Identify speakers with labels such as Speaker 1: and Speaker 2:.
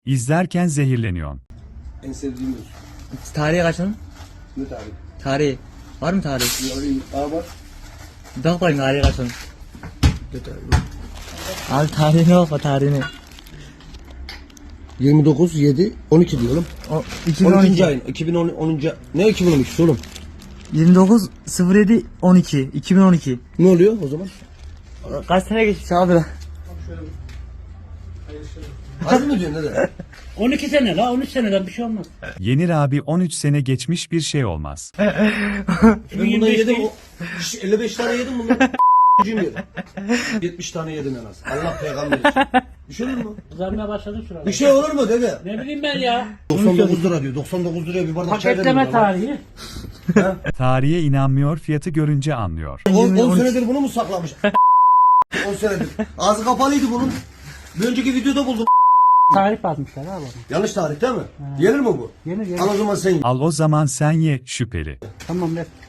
Speaker 1: İzlerken zehirleniyorsun.
Speaker 2: En sevdiğimiz.
Speaker 3: Tarihi kaçın?
Speaker 2: Ne tarih?
Speaker 3: Tarihi. Var mı tarihi?
Speaker 2: Yarın A var.
Speaker 3: Bak bakayım tarihi kaçın.
Speaker 2: Ne tarih?
Speaker 3: Abi tarihine bak o tarihine.
Speaker 2: 29, 7, 12 diyorum.
Speaker 3: O
Speaker 2: 12.
Speaker 3: 2012.
Speaker 2: ayın. 2010. Ne 2012 oğlum?
Speaker 3: 29 07 12 2012.
Speaker 2: Ne oluyor o zaman?
Speaker 3: Kaç sene geçmiş abi lan?
Speaker 2: Hadi mi diyorsun dede?
Speaker 4: 12 sene la 13 seneden bir şey olmaz.
Speaker 1: Yenir abi 13 sene geçmiş bir şey olmaz.
Speaker 2: Ben bundan
Speaker 4: 25
Speaker 2: yedim.
Speaker 4: değil.
Speaker 2: 55 tane yedim bundan. Cüm yedim. 70 tane yedim en az. Allah peygamber için. Bir şey olur mu?
Speaker 4: Kızarmaya başladı şurada.
Speaker 2: Bir şey olur mu dede?
Speaker 4: Ne bileyim ben ya.
Speaker 2: 99 lira diyor. 99 liraya bir bardak çay verin.
Speaker 4: Paketleme tarihi.
Speaker 1: Tarihe inanmıyor, fiyatı görünce anlıyor.
Speaker 2: 10 senedir bunu mu saklamış? 10 senedir. Ağzı kapalıydı bunun. Bir önceki videoda buldum.
Speaker 4: Tarih basmışlar abi.
Speaker 2: Yanlış tarih değil mi? Yenir mi bu?
Speaker 4: Yenir yenir.
Speaker 2: Al o zaman sen ye.
Speaker 1: Al o zaman sen ye, şüpheli.
Speaker 4: Tamam ver.